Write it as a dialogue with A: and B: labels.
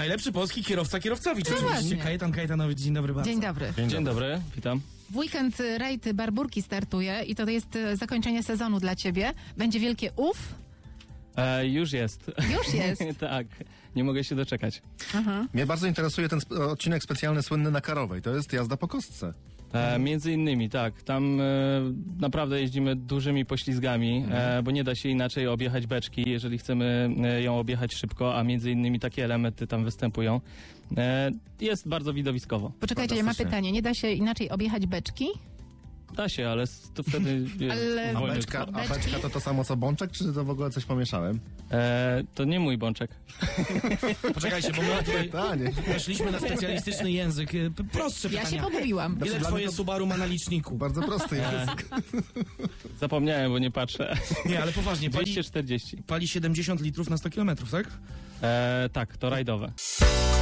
A: Najlepszy polski kierowca kierowcowicz.
B: No
A: Oczywiście.
B: właśnie.
A: Kajetan Kajetanowicz, dzień dobry bardzo.
B: Dzień dobry.
C: Dzień dobry, witam.
B: W weekend rajd Barburki startuje i to jest zakończenie sezonu dla ciebie. Będzie wielkie uf.
C: Już jest.
B: Już jest.
C: Tak, nie mogę się doczekać.
D: Mnie bardzo interesuje ten odcinek specjalny słynny na Karowej. To jest jazda po kostce.
C: Między innymi, tak. Tam naprawdę jeździmy dużymi poślizgami, bo nie da się inaczej objechać beczki, jeżeli chcemy ją objechać szybko, a między innymi takie elementy tam występują. Jest bardzo widowiskowo.
B: Poczekajcie, ja mam pytanie. Nie da się inaczej objechać beczki?
C: Da się, ale to wtedy...
B: Ale-
D: A
C: wolny
D: beczka,
C: sport.
D: a beczka to samo co bączek, czy to w ogóle coś pomieszałem?
C: To nie mój bączek.
A: Poczekajcie, bo my tutaj
D: Pytanie.
A: weszliśmy na specjalistyczny język. Prostsze
B: Ja
A: pytania.
B: się pogubiłam.
A: Ile
D: Dla
A: twoje
D: mnie to-
A: Subaru ma na liczniku?
D: Bardzo prosty jest.
C: Zapomniałem, bo nie patrzę.
A: Nie, ale poważnie, pali
C: 240.
A: 70 litrów na 100 kilometrów, tak?
C: Tak, to rajdowe.